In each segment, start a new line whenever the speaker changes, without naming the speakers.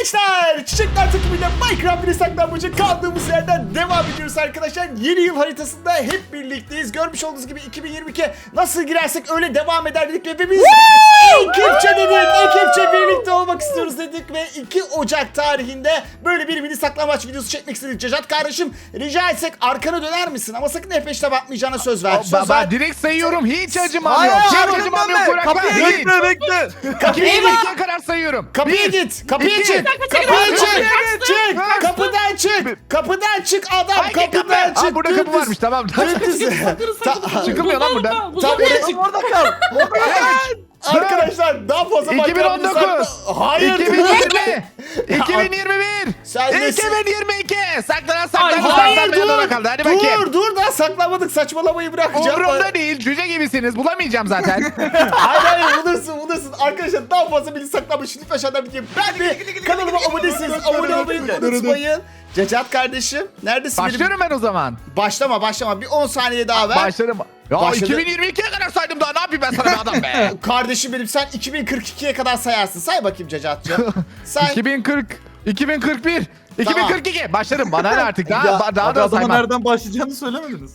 gençler, Çiçekler takımıyla Minecraft bir saklanmacı kaldığımız yerden devam ediyoruz arkadaşlar. Yeni yıl haritasında hep birlikteyiz. Görmüş olduğunuz gibi 2022 nasıl girersek öyle devam eder dedik ve biz ekipçe birlikte olmak istiyoruz dedik ve 2 Ocak tarihinde böyle bir mini saklambaç videosu çekmek istedik. Cacat kardeşim, rica etsek arkana döner misin? Ama sakın F5'te bakmayacağına söz ver. Söz ver.
Direkt sayıyorum, hiç acımam yok.
Hayır,
Hiç acımam yok, bırak
kapıya
lan.
bekle bekle.
Kapıya git.
2022'ye kadar sayıyorum.
Kapıya
Bir,
git. Kapıya
iki,
çık. Kapıya çık. Çık. Kapıdan çık. Kapıdan çık adam.
Hangi kapı?
Kapıdan çık.
Aa, burada kapı
Dümdüz.
varmış, tamam.
Çıkılmıyor
lan buradan.
Evet.
Orada kal.
Arkadaşlar daha fazla
2019.
Hayır.
2020. 2021.
Sen nesin?
2022. Saklanan
Hayır
saklanmaya kaldı. Hadi bakayım.
dur daha saklamadık, saçmalamayı bırakacağım.
Umurumda değil. Cüce gibisiniz. Bulamayacağım zaten.
Hayır bulursun. Arkadaşlar daha fazla beni saklamış. Lütfen aşağıdan bir ben de kanalıma abonesiniz. Abone olmayı unutmayın. Cacat kardeşim neredesin?
Başlıyorum ben o zaman.
Başlama. Bir 10 saniye daha ver.
Başlarım. Ya
Başladı.
2022'ye kadar saydım daha. Ne yapayım ben sana be adam be?
Kardeşim benim, sen 2042'ye kadar sayarsın. Say bakayım Cacat'cığım. Say.
2040, 2041, 2042. Başlarım bana ne artık
Ya,
daha da
adama
saymam.
nereden başlayacağını söylemediniz.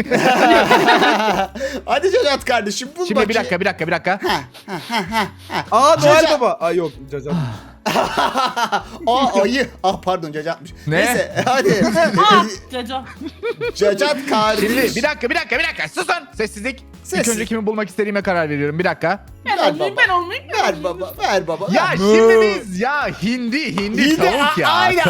Hadi Cacat kardeşim bul
Şimdi
bakayım.
bir dakika.
Aa Noel
Cacat.
Baba. Aa yok Cacat.
Ayı. Pardon Cacat'mış.
Ne?
Neyse hadi.
Caca.
Cacat kardeşim.
Şimdi bir dakika. Susun. Sessizlik.
Sessiz.
İlk önce kimi bulmak istediğime karar veriyorum. Bir dakika.
Ben
Ver
olmayayım,
baba.
ben olmayayım.
Ver baba.
Ya
ver.
şimdi biz hindi tavuk ya.
Aynen.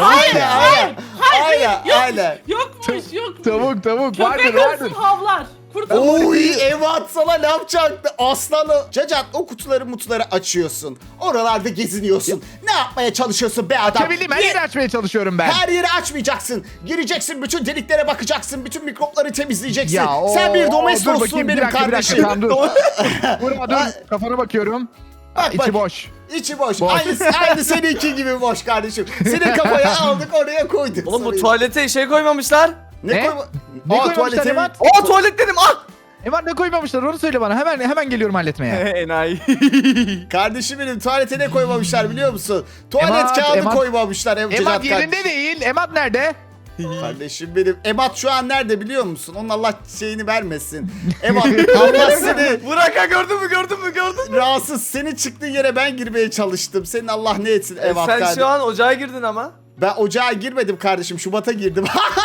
Tavuk
Köpek
vardır.
olsun havlar. Kurt
Oy Evat sana ne yapacaktı aslanı? Cacat o kutuları açıyorsun. Oralarda geziniyorsun. Ne yapmaya çalışıyorsun be adam?
Açabildim, her yeri açmaya çalışıyorum ben.
Her yeri açmayacaksın. Gireceksin, bütün deliklere bakacaksın. Bütün mikropları temizleyeceksin.
Ya,
Sen bir
dur
domestossun
bakayım,
benim
bir dakika,
kardeşim.
tamam, dur. Dur, kafana bakıyorum.
Bak,
İçi boş.
İçi boş.
Boş.
Aynı seninki gibi boş kardeşim. Senin kafaya aldık oraya koyduk.
Oğlum bu
Sarıyı.
tuvalete şey koymamışlar.
Ne?
koyma?
Ne koymamışlar Emat?
Aa tuvalet dedim.
Emat ne koymamışlar onu söyle bana. Hemen geliyorum halletmeye.
Enayi.
Kardeşim benim tuvalete ne koymamışlar biliyor musun? Tuvalet
Emat,
kağıdı
Emat.
koymamışlar.
Emat yerinde değil. Emat nerede?
Kardeşim benim. Emat şu an nerede biliyor musun? Onun Allah şeyini vermesin. Emat Allah seni
Burak'a gördün mü?
rahatsız. Senin çıktığın yere ben girmeye çalıştım. Senin Allah ne etsin Emat
Sen
kardeşim.
şu an ocağa girdin ama.
Ben ocağa girmedim kardeşim. Şubat'a girdim.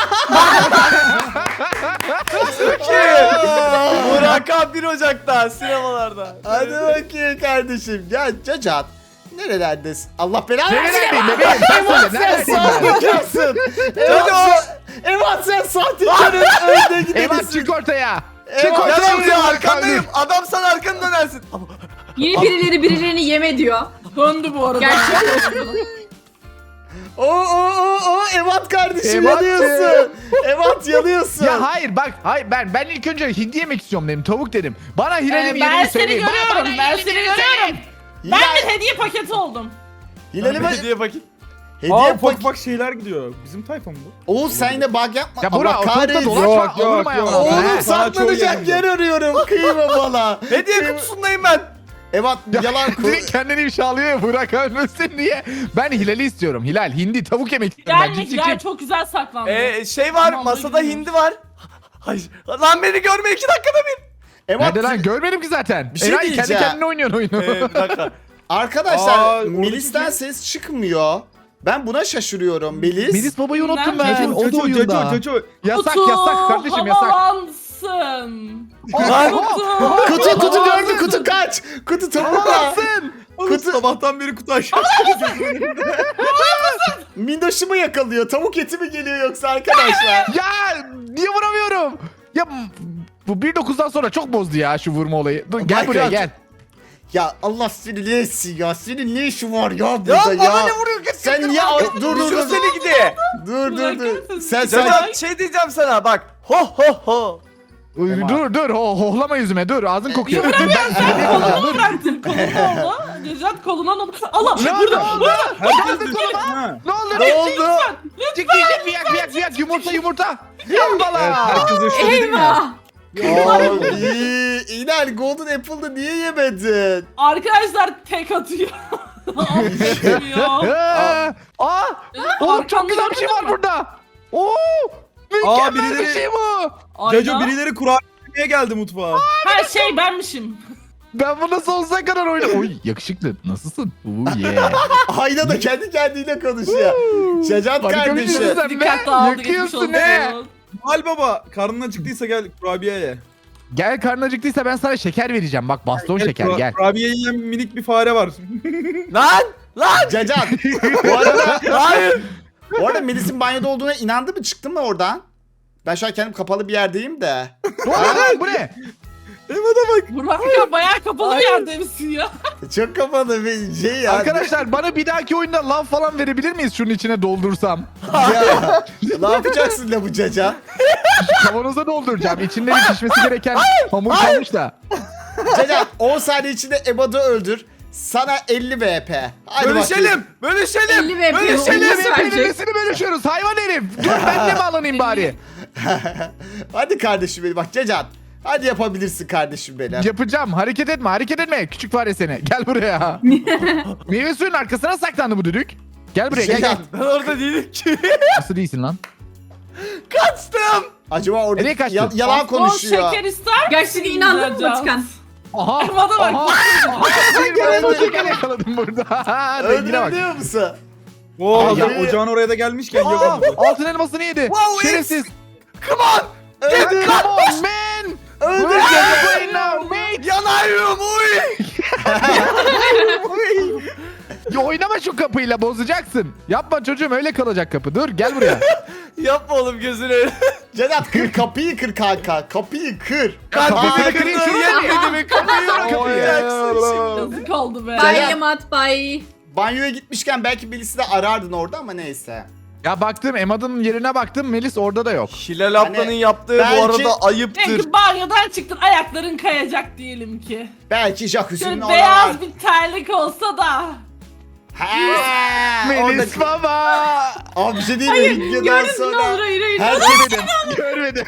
Burak'a 1 Ocak'ta sinemalarda.
Hadi bakayım kardeşim. Ya Cacat. Nerelerdesin? Allah belanı versin.
Nerelerdeyim bebeğim? Sen söyle.
Sen
Neredeyim ben?
sahtekarsın. Evat sen sahtekarın önde
Emat
gidenisin.
çık ortaya.
Emat,
Çık
Gel
ortaya.
buraya arkandayım. Adam sana arkanı dönersin.
Yeni birilerini yeme diyor.
döndü bu arada.
Gerçekten.
Evat kardeşim
Evat.
yanıyorsun. Evat yanıyorsun.
Ya hayır bak, ben ilk önce hindi yemek istiyorum dedim, tavuk dedim. Bana Hilal'in
Ben
yerini
seni
söyleyin.
görüyorum. Ben seni görüyorum. Ben bir hediye paketi oldum.
Hilal'e bak.
Hediye bakayım.
Hediye
Aa
pak.
bak şeyler gidiyor. Bizim tayfa mı bu?
Oğuz sen yine bug yapma.
Ya
Allah
Burak ortalıkta
kahretsin.
dolaşma,
Yok,
olurum ayağına.
yok.
Oğlum
He.
Sana çok
saklanacak
yakın.
yer arıyorum. Kıyma bana.
Hediye kutusundayım ben.
Evat yalan
Direkt kendini ifşalıyor ya, Burak ölmesin diye. Ben Hilal'i istiyorum. Hilal, hindi, tavuk yemek istiyorum. Ben
Gel
ciddiyim.
çok güzel saklandı.
Şey var
Tamam,
masada
buyurun.
hindi var. Hayır. Lan beni görme 2 dakikada bir.
Evat
Nerede lan? Görmedim ki zaten.
Bir şey
Eray kendi
diyeceğim.
kendine oynuyorsun oyunu.
Bir dakika.
arkadaşlar
Aa,
Melis'ten
oradaki-
ses çıkmıyor. Ben buna şaşırıyorum Melis.
Melis babayı unuttum ben.
Nerede?
O da oyunda.
Caco.
Yasak
Kutu
kardeşim yasak.
havalansın.
Lan.
Kutu gördü, kutu kaç. Kutu topla.
Kutu sabahtan beri kutu aşağı.
Minnoşumu yakalıyor. Tavuk eti mi geliyor yoksa arkadaşlar?
Ya niye vuramıyorum? Ya bu 1.9'dan sonra çok bozdu ya şu vurma olayı. Dur gel
Minecraft-
buraya gel.
Ya Allah seni ne etsin ya. Senin ne işin var ya burada
Ya
ya?
bana ne vuruyor? Git,
Sen
git,
niye
git.
dur
Seni gidi.
dur. Sen
Cacat şey diyeceğim sana bak. Ho.
Dur hohlama yüzüme dur ağzın kokuyor. Dur,
Kolunu bıraktın. Kolunu oldu. Necat koluna oldu. Allah
Ne
burada.
oldu?
Herkes düştü. Ha.
Ne oldu?
ne oldu?
Çık yak yumurta. Yambala.
Herkes eşit değil mi?
Eyvah.
Abi İnal Golden Apple'da niye yemedin?
Arkadaşlar tek atıyor. Affetmiyor.
Oğlum çok güzel bir şey var burada. Oo! Mükemmel bir
birileri-
şey bu.
Caco
Aynen.
birileri kurabiye geldi mutfağa.
Her şey benmişim.
Ben bunu sonsuza kadar oynarım. Oy yakışıklı. Nasılsın? Oo yeah.
Ayna da kendi kendiyle konuşuyor. Cacat
Harika bir
kardeşi.
şey. Sen
Dikkat
be,
dağıldı geçmiş
yakıyorsun
olsun.
ne?
Noel Baba karnın acıktıysa gel kurabiye ye.
Gel karnın acıktıysa ben sana şeker vereceğim. Bak baston şeker gel.
Kurabiye yiyen minik bir fare var.
Lan! Lan!
Cacat. Bu arada,
Hayır!
bu arada Melis'in banyoda olduğuna inandı mı? Çıktın mı oradan? Ben şu an kendim kapalı bir yerdeyim de.
Bu ne? Bu ne?
Burak ya bayağı kapalı bir yerdeymişsin ya.
Çok kapalı bir şey ya.
Arkadaşlar bana bir dahaki oyunda lav falan verebilir miyiz şunun içine doldursam?
Ya, ne yapacaksın la bu Cacat?
Kavanoza dolduracağım. İçinde bir pişmesi gereken hamur kalmış da.
Cacat 10 saniye içinde Emad'ı öldür. Sana 50 VP. Hadi bakayım.
Bölüşelim!
50 VP
Bölüşelim!
Nasıl verecek?
Birbirimizi bölüşüyoruz hayvan herif. Dur ben de bağlanayım bari.
Hadi kardeşim benim bak Cacat. Hadi yapabilirsin kardeşim benim.
Yapacağım. Hareket etme hareket etme. Küçük fare seni. Gel buraya. Meyve suyunun arkasına saklandı bu düdük. Gel buraya gel.
Cacat,
gel.
Ben orada değilim ki.
Nasıl değilsin lan?
Kaçtım!
acaba orada
Nereye kaçtın?
yalan
O
konuşuyor.
şeker ister
Gerçekten inandın mı Batıkan?
Aha.
Bana bak.
Bir baston şeker yakaladım burada. Rengine bak.
Öldürebiliyor musun?
Oo,
Ay,
hazır
ya.
ocağın oraya da gelmişken
Aa,
yok.
altın elmasını yedi.
Wow,
Şerefsiz.
Come on!
Öldür.
Come on man.
Öldür.
We're gonna play now mate.
Yanıyorum uy!
Ya oynama şu kapıyla bozacaksın. Yapma çocuğum öyle kalacak kapı. Dur gel buraya.
Yapma oğlum gözünü.
Cacat kır kapıyı kır kanka. Kapıyı kır.
Kalbimi
Aa,
kırayım,
kırdın
şunu
yetmedi mi? Kapıyı
Oy.
Yazık oldu be.
Bye Yamat bye.
Banyoya gitmişken belki birisi de arardın orada ama neyse.
Ya baktım Emad'ın yerine baktım Melis orada da yok.
Hilal ablanın
Hani
yaptığı
belki-
bu arada ayıptır.
Belki banyodan çıktın ayakların kayacak diyelim ki.
Belki jacuzzi'nin
Şöyle
oralar.
beyaz bir terlik olsa da.
Ha,
Melis
orada...
baba.
Abi bir şey değil mi? Videodan
Gördün ne
sonra.
olur hayır.
Herkes
Görmedim.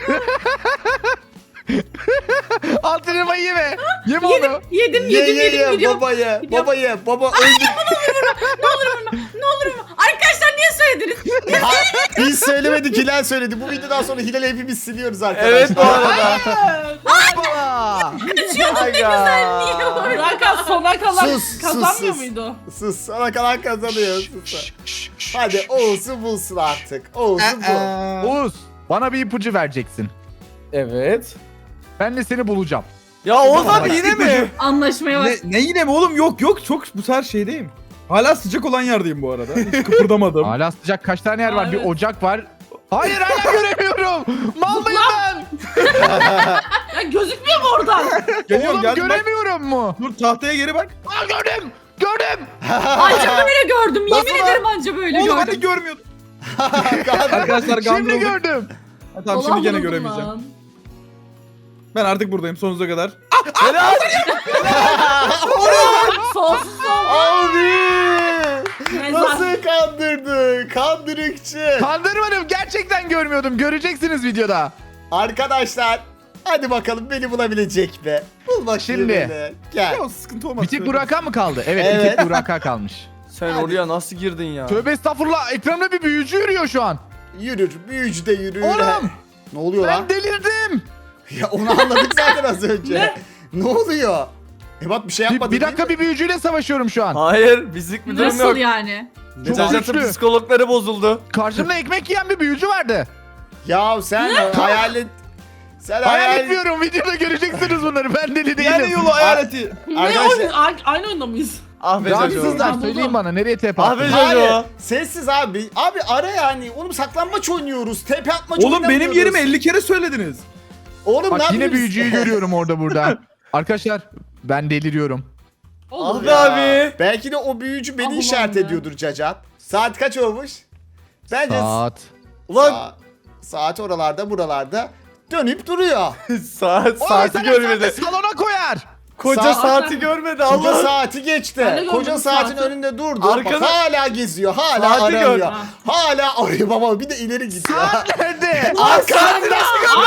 Altın elmayı yeme. Yeme onu.
Yedim
ye
gidiyorum.
babayı. Babayı. Baba öldü.
Ne olur mu? Arkadaşlar niye söylediniz?
Ha, biz söylemedik Hilal söyledi. Bu videodan sonra Hilal'i hepimiz siliyoruz arkadaşlar.
Evet bu arada.
Baba.
Aga.
Niye var?
Burak sona kalan
Sus,
kazanmıyor
sus.
muydu?
Sus sana kalan kazanıyor. Sus. Hadi Oğuz'u bulsun artık. Oğuz'u bul.
Oğuz bana bir ipucu vereceksin.
Evet.
Ben de seni bulacağım.
Ya Oğuz abi yine mi?
Anlaşmaya bak.
Ne yine mi oğlum? Yok çok bu sefer şeydeyim. Hala sıcak olan yerdeyim bu arada. Hiç kıpırdamadım.
Hala sıcak kaç tane yer var?
Aa,
Bir
evet.
ocak var. Hayır hala göremiyorum. Mal mıyım ben?
Ya gözükmüyor mu oradan?
Geliyorum
Oğlum
geldim bak.
göremiyorum mu?
Dur tahtaya geri bak.
Aa, gördüm. Gördüm.
Anca böyle gördüm. Yemin
Nasıl
ederim anca böyle
Oğlum
gördüm.
hadi görmüyordum. Arkadaşlar
Şimdi
gandrolduk.
gördüm.
Ha, tamam şimdi gene göremeyeceğim. Ben artık buradayım sonsuza kadar.
Helal.
Sonsuz oldu.
Abi.
Mezar.
Nasıl kandırdı? Kandırıkçı.
Kandırmadım. Gerçekten görmüyordum. Göreceksiniz videoda.
Arkadaşlar. Hadi bakalım beni bulabilecek mi? Bul bakayım
Şimdi.
beni. Gel.
Ya sıkıntı olmaz.
Bir tek Burak'a mı kaldı? Evet, bir
Evet.
tek Burak'a kalmış.
Sen oraya nasıl girdin ya?
Tövbe estağfurullah. Ekranda bir büyücü yürüyor şu an.
Yürür. Büyücü de yürür.
Oğlum.
Ne oluyor lan?
Ben delirdim.
Ya onu anladık zaten az önce. Ne oluyor? Ebat bir şey yapmadı
Bir dakika bir büyücüyle savaşıyorum şu an.
Hayır bizlik bir durum
Nasıl
yok.
yani?
Çok
Cacat'ın
güçlü.
psikologları bozuldu.
Karşımda ekmek yiyen bir büyücü vardı.
Ya sen hayal et. Sen
Hayal etmiyorum. Videoda göreceksiniz bunları. Ben deli değilim.
Yani yolu hayaleti.
Ne
Arkadaşlar.
oyun? Aynı oyunda mıyız?
Ah be Jojo.
Rahatsızlar.
Buldum.
Söyleyin bana. Nereye tepe
Abi,
attın?
Jojo.
Hayır. Sessiz abi. Abi ara yani. Oğlum saklanmaç oynuyoruz. Tepe atmaç
Oğlum benim
oynamıyoruz.
yerimi 50 kere söylediniz.
Oğlum
Bak
ne
yine
yapıyorsun?
büyücüyü görüyorum orada burada. Arkadaşlar ben deliriyorum.
Olur.
Ah be abi.
Belki de o büyücü beni
Allah'ım
işaret
ya.
ediyordur Cacat. Saat kaç olmuş? Bence
Saat.
Ulan
saat oralarda buralarda dönüp duruyor.
saati
Saati
görmedi.
salona koyar.
Koca
Saat-
saati görmedi
Koca
Allah.
saati geçti.
Ben de gördüm
Koca saatin
saati.
önünde durdu.
Arkada-
Bak hala geziyor. Hala
Saati
aranıyor.
gör.
Hala arıyor baba. Bir de ileri gidiyor.
Saat nerede?
Arkanda.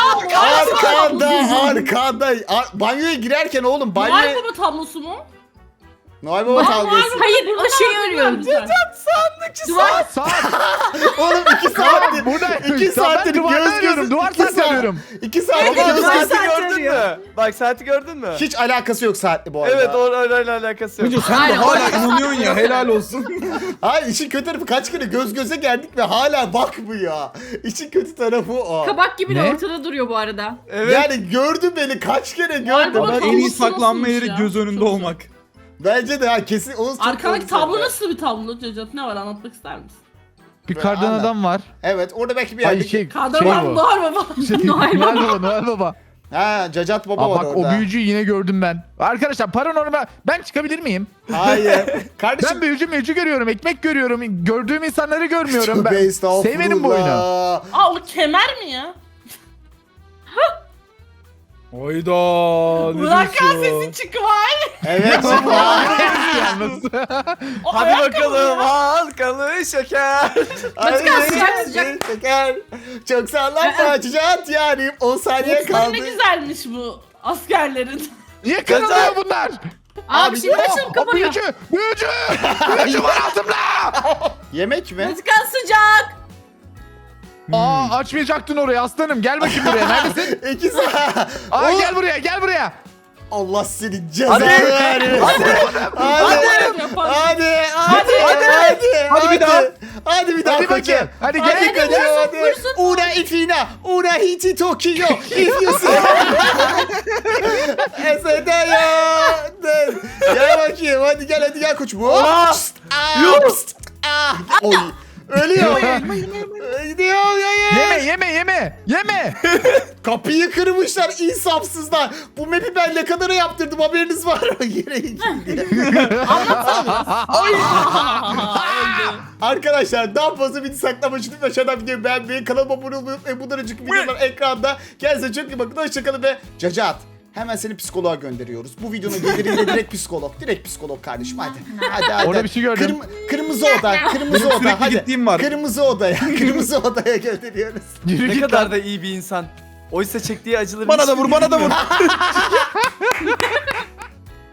Aa,
Arkanda. Banyoya girerken oğlum
Noel
banyoya...
Baba tablosu mu?
Noel Baba kavgası.
Hayır o şeyi arıyorum.
Saat.
Oğlum 2 saattir.
Burada
2 saattir
duvarda
göz
arıyorum.
gözü.
Duvar saati arıyorum.
2 saattir
Baba
göz
saat
gözü.
saati gördün
arıyor.
mü? Bak saati gördün mü?
Hiç alakası yok saatle bu arada.
Evet orayla alakası yok.
Tunca sen de
Aynen,
hala
orada
inanıyorsun ya helal olsun.
Hayır işin kötü tarafı kaç kere göz göze geldik ve hala bakmıyor. İşin kötü tarafı o.
Kabak gibi de
Ne?
ortada duruyor bu arada.
Evet.
Yani gördü beni kaç kere gördü.
Harbiden
Ama en
tablosu
iyi saklanma
nasılmış
yeri
ya?
göz önünde
Çok
olmak.
Bence de ha kesin onu çok
Arkadaki
güzel.
tablo nasıl bir tablo Cacat? Ne var anlatmak ister misin?
Bir kardan
Anlat.
adam var.
Evet orada belki bir
Ay
yerde.
şey
Kadın
bu.
var baba.
Noel
Noel Baba, Noel Baba.
Ha Cacat Baba
Aa,
var
bak
orada.
o büyücüyü yine gördüm ben. Arkadaşlar paranormal ben çıkabilir miyim?
Hayır. Kardeşim.
Ben büyücü görüyorum, ekmek görüyorum. Gördüğüm insanları görmüyorum.
Tövbe
Ben
estağfurullah.
sevmedim bu oyunu.
Aa o kemer mi ya?
Hayda ne
Bırakan
diyorsun?
sesi çıkvay.
Evet.
Yalnız.
Hadi bakalım halkalı şeker.
sıcak, sıcak.
Şeker. Çok sallanma Cacat yani 10 saniye
Mutfağı
kaldı.
ne güzelmiş bu askerlerin.
Niye kırılıyor bunlar?
Abi şimdi açılıp
O
kapanıyor.
büyücü var altımda.
Yemek mi?
Batıkan sıcak.
Aa açmayacaktın orayı aslanım. Gel bakayım buraya. Neredesin?
2 saat.
Aa
Oğlum,
gel buraya.
Allah seni cezanı
Hadi.
vermesin. Hadi.
Yaparsın.
Hadi
bir daha.
Hadi bir daha
Hadi
koçum.
bakayım. Hadi gel.
Hadi koçum hadi.
vursun.
Una ifina. Una hiti Tokyo. If you see. Eseda. Gel bakayım. Hadi gel koçum. Hop.
Aa.
Pst, ah, pst, ah. Oy. Ölüyor. Gidiyor
Yeme.
Kapıyı kırmışlar insafsızlar. Bu map'i ben ne kadara yaptırdım haberiniz var mı? Yere gitti. Arkadaşlar daha fazla video saklamak için aşağıdan videoyu beğenmeyi, kanalıma abone olmayı unutmayın. Bundan önceki videolar ekranda. Kendinize çok iyi bakın. Hoşçakalın ve Cacat. Hemen seni psikoloğa gönderiyoruz. Bu videonun geliriyle direkt psikolog. Direkt psikolog kardeşim hadi. Hadi.
Orada bir şey gördüm.
Kırmızı oda. Kırmızı
Benim
oda.
sürekli
Hadi.
gittiğim var.
Kırmızı odaya. Kırmızı odaya gönderiyoruz.
Yürü
Ne
git
kadar
lan.
da iyi bir insan. Oysa çektiği acıları
Bana da
hiçbiri
vur bana da
bilmiyor.
vur.